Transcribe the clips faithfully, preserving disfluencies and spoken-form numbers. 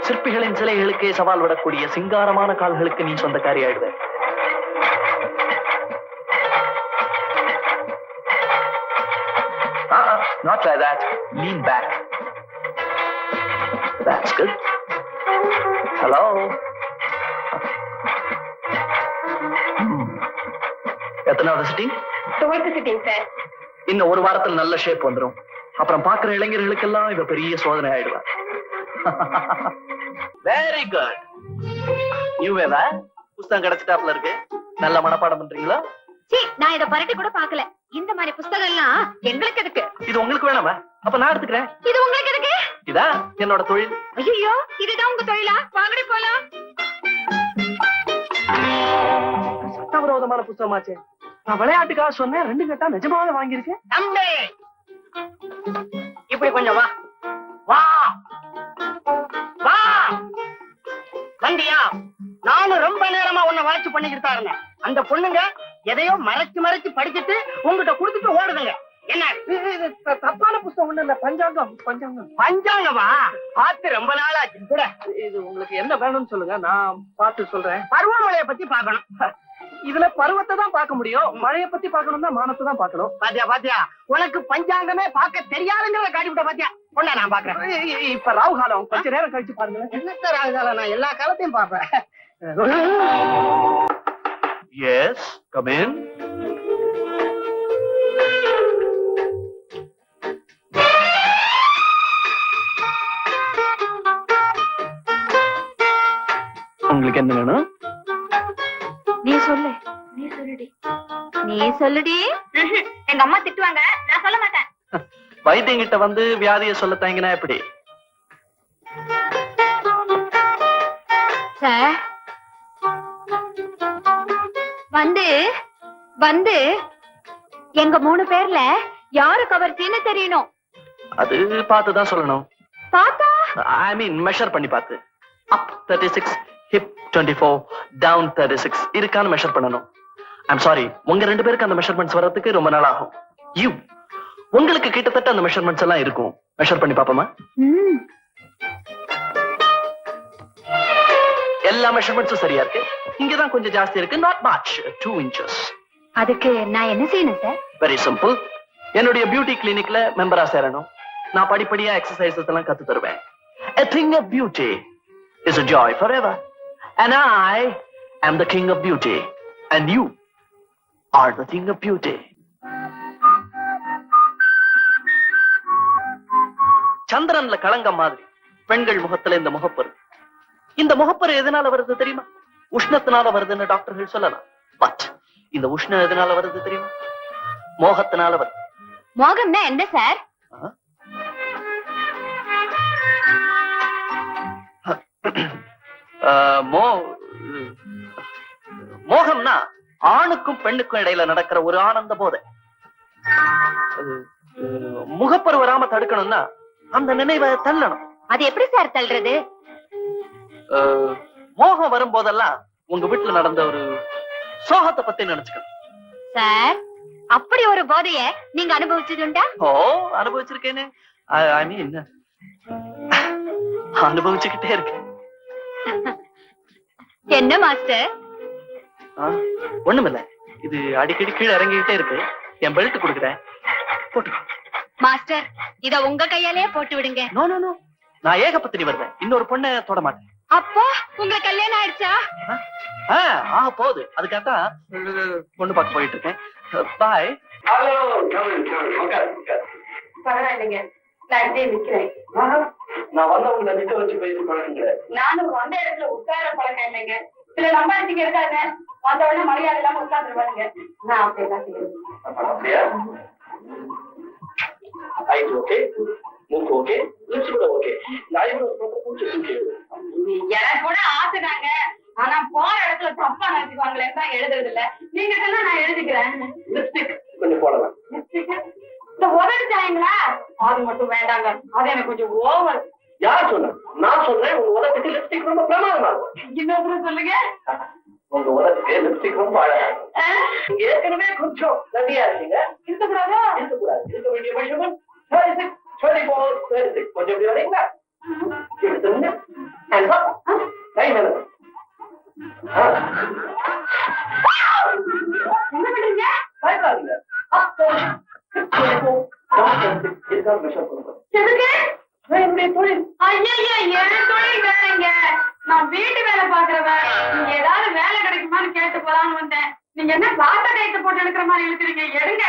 சிற்பிகளின் சிலைகளுக்கே சவால் விடக்கூடிய சிங்காரமான கால்களுக்கு நீ சொந்தக்காரி ஆயிடுவ. Uh-uh, not like that. Lean back. That's good. Hello. எத்தனாவது சிட்டிங்? Twelfth sitting sir. இன்னும் ஒரு வாரத்தில் நல்ல ஷேப் வந்துடும். அப்புறம் பாக்குற இளைஞர்களுக்கெல்லாம் இவ பெரிய சோதனை ஆயிடுவா. Very good. நீவேவா புத்தகம் கிடைச்சிட்டாப்ல இருக்கு. நல்ல மனப்பாடம் பண்றீங்களா? சீ, நான் இத பரட்டி கூட பார்க்கல. இந்த மாதிரி புத்தகம் எல்லாம் எங்களுக்கு எதுக்கு? இது உங்களுக்கு வேணாமா? அப்ப நான் எடுத்துக்கிறேன். இது உங்களுக்கு எதுக்கு? இதா என்னோட தொழில். ஐயோ, இதுதான் உங்க தொழிலா? வாங்கடி போலாம். சட்டவிரோதமான புத்தகமாச்சே. நான் விளையாட்டுக்காக சொன்னேன், ரெண்டு கட்டா நிஜமாவே வாங்கியிருக்கேன். தம்பி, இப்படி கொஞ்சம் வா வா வா. வண்டியா? நானும் ரொம்ப நேரமா உன்னை வாட்ச் பண்ணிக்கிட்டு தான் இருந்தேன். அந்த பொண்ணுங்க எதையோ மறைச்சு மறைச்சு படிச்சுட்டு உங்ககிட்ட குடுத்துட்டு ஓடுதுங்க. என்ன தப்பான புத்தகம் ஒண்ணு இல்ல, பஞ்சாங்கம். பஞ்சாங்கம் பஞ்சாங்கமா? பார்த்து ரொம்ப நாள் ஆச்சு கூட. இது உங்களுக்கு என்ன வேணும்னு சொல்லுங்க, நான் பார்த்து சொல்றேன். பருவமழையை பத்தி பாக்கணும். இதுல பருவத்தை தான் பார்க்க முடியும், மழையை பத்தி பாக்கணும்னா மானத்தை தான் பாக்கணும். பாத்தியா பாத்தியா, உனக்கு பஞ்சாங்கமே பார்க்க தெரியாதுங்கிறத காட்டி விட்ட. பாத்தியா பொண்ணா, நான் பாக்குறேன். இப்ப ராகு காலம், கொஞ்ச நேரம் கழிச்சு பாருங்க. என்னத்த ராகு காலம்? நான் எல்லா காலத்தையும் பாப்பேன். Yes, come in. உங்களுக்கு என்ன வேணும்? நீ சொல்லு. நீ சொல்லுடி. நீ சொல்லுடி. எங்க அம்மா திட்டுவாங்க, நான் சொல்ல மாட்டேன். வைத்தியங்கிட்ட வந்து வியாதியை சொல்ல தாங்கினா எப்படி? சார் வந்து வந்து எங்க மூணு பேர்ல யாரு கவர்ச்சின்னு தெரியணும். அது பார்த்துதான் சொல்லணும். பாத்தா ஐ மீன் மெஷர் பண்ணி பார்த்து. Up thirty six, hip twenty four, down thirty six இருக்கான்னு மெஷர் பண்ணணும். ஐம் சாரி, உங்க ரெண்டு பேருக்கு அந்த மெஷர்மெண்ட்ஸ் வர்றதுக்கு ரொம்ப நாள் ஆகும். யூ உங்களுக்கு கிட்டத்தட்ட அந்த மெஷர்மெண்ட்ஸ் எல்லாம் இருக்கும். மெஷர் பண்ணி பாப்போமா? எல்லா மெஷர்மெண்ட்ஸும் சரியா இருக்கு. இங்கதான் கொஞ்சம் ஜாஸ்தி இருக்கு. Not much, two inches. அதுக்கு நான் என்ன செய்யணும் சார்? Very simple. என்னுடைய பியூட்டி கிளினிக்ல மெம்பரா சேரணும். நான் படிப்படியா எக்ஸசைசஸ் எல்லாம் கத்து தருவேன். A thing of beauty is a joy forever. And I am the king of beauty. And you are the thing of beauty. சந்திரன்ல களங்கம் மாதிரி பெண்கள் முகத்துல இந்த முகப்பரு. இந்த முகப்பரு எதனால வருது தெரியுமா? உஷ்ணத்தினால வருதுன்னு டாக்டர்கள் சொல்லலாம். பட் இந்த உஷ்ணம் எதனால வருது தெரியுமா? மோகத்தினால வருது. மோகம்னா என்ன சார்? மோகம்னா ஆணுக்கும் பெண்ணுக்கும் இடையில நடக்கிற ஒரு ஆனந்த போதை. முகப்பரு வராம தடுக்கணும்னா அந்த நினைவை தள்ளணும். அது எப்படி சார் தள்ளுறது? மோகம் வரும் போதெல்லாம் உங்க வீட்டுல நடந்த ஒரு சோகத்தை பத்தி நினைச்சுக்கணும். சார், அப்படி ஒரு போதைய நீங்க அனுபவிச்சதுண்டா? ஓ, அனுபவிச்சிருக்கேன்னு. ஐ மீன் அனுபவிச்சுக்கிட்டே இருக்கேன். என்ன மாஸ்டர்? ஒண்ணுமில்ல, இது அடிக்கடி கீழே இறங்கிக்கிட்டே இருக்கு. என் பெல்ட் கொடுக்குறேன், போட்டுக்கோ. மாஸ்டர், இத உங்க கையாலேயே போட்டு விடுங்க. நோ நோ நோ, நான் ஏகபத்தினி வருவேன். இன்னொரு பொண்ணை தொட மாட்டேன். அப்போ உங்களுக்கு கல்யாணம் ஆயிடுச்சா? ஆ, போகுது. அதுக்காகத்தான் பொண்ணு பார்க்க போயிட்டு இருக்கேன். பாய். ஹலோ, பரவாயில்லைங்க, நான் இப்படியே நிக்கிறேன். நான் வந்தவங்க நிக்க வச்சு பேசி பழகுங்க. நானும் வந்த இடத்துல உட்கார பழக்கம் இல்லைங்க. சில நம்பாடிச்சிங்க இருக்காங்க, வந்த உடனே மரியாதை இல்லாம உட்காந்துருவாங்க. நான் அப்படியெல்லாம் செய்யறேன். ஐஸ் ஓகே, மூக்கு ஓகே, லிப்ஸ் கூட ஓகே. எனக்கு கூட ஆசைதாங்க. ஆனா போற இடத்துல தப்பா நினைச்சுக்குவாங்களேன்னு தான் எழுதுறது இல்ல. நீங்க சொன்னா நான் எழுதிக்கிறேன். லிப்ஸ்டிக் கொஞ்சம் போடலாம். லிப்ஸ்டிக் இந்த உதவி தாயங்களா? அது மட்டும் வேண்டாங்க, அது எனக்கு கொஞ்சம் ஓவர். யார் சொன்ன? நான் சொல்றேன், உங்க உதவிக்கு லிப்ஸ்டிக் ரொம்ப பிரமாதமா இருக்கும். இன்னொரு சொல்லுங்க. உங்க உதவிக்கு லிப்ஸ்டிக் ரொம்ப அழகா இருக்கும். ஏற்கனவே கொஞ்சம் நன்றியா இருக்கீங்க. இருக்கக்கூடாதா? இருக்கக்கூடாது. இருக்க வேண்டிய measurement thirty six, twenty four, thirty six. கொஞ்சம் எப்படி வரீங்களா? எடுத்துருங்க. And என் தொழில் வேலைங்க. நான் வீட்டு வேலை பாக்குறவ. நீங்க ஏதாவது வேலை கிடைக்குமான்னு கேட்டு போலான்னு வந்தேன். நீங்க என்ன சாத்த கைத்து போட்டு எடுக்கிற மாதிரி இழுக்கிறீங்க? எடுங்க.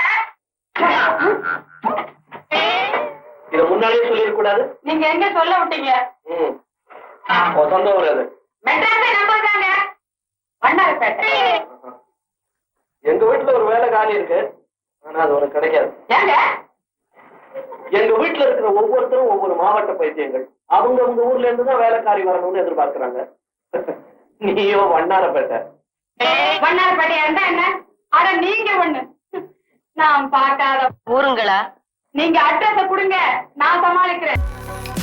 இத முன்னாடியே சொல்லிருக்க கூடாது. நீங்க எங்க சொல்ல விட்டீங்க? சொந்த ஊர் மெட்ராஸை நம்பாங்க. வண்ணாரப்பேட்டை. எங்க வீட்டுல ஒரு வேலை காலி இருக்கு, ஆனா அது உனக்கு கிடைக்காது. ஏங்க? எங்க வீட்டுல இருக்கிற ஒவ்வொருத்தரும் ஒவ்வொரு மாவட்ட பைத்தியங்கள். அவங்க உங்க ஊர்ல இருந்துதான் வேலைக்காரி வரணும்னு எதிர்பார்க்கிறாங்க. நீயோ வண்ணாரப்பேட்டை. வண்ணாரப்பேட்டையா இருந்தா என்ன? அட நீங்க ஒண்ணு நான் பார்க்காத ஊருங்களா? நீங்க அட்ரஸ கொடுங்க, நான் சமாளிக்கிறேன்.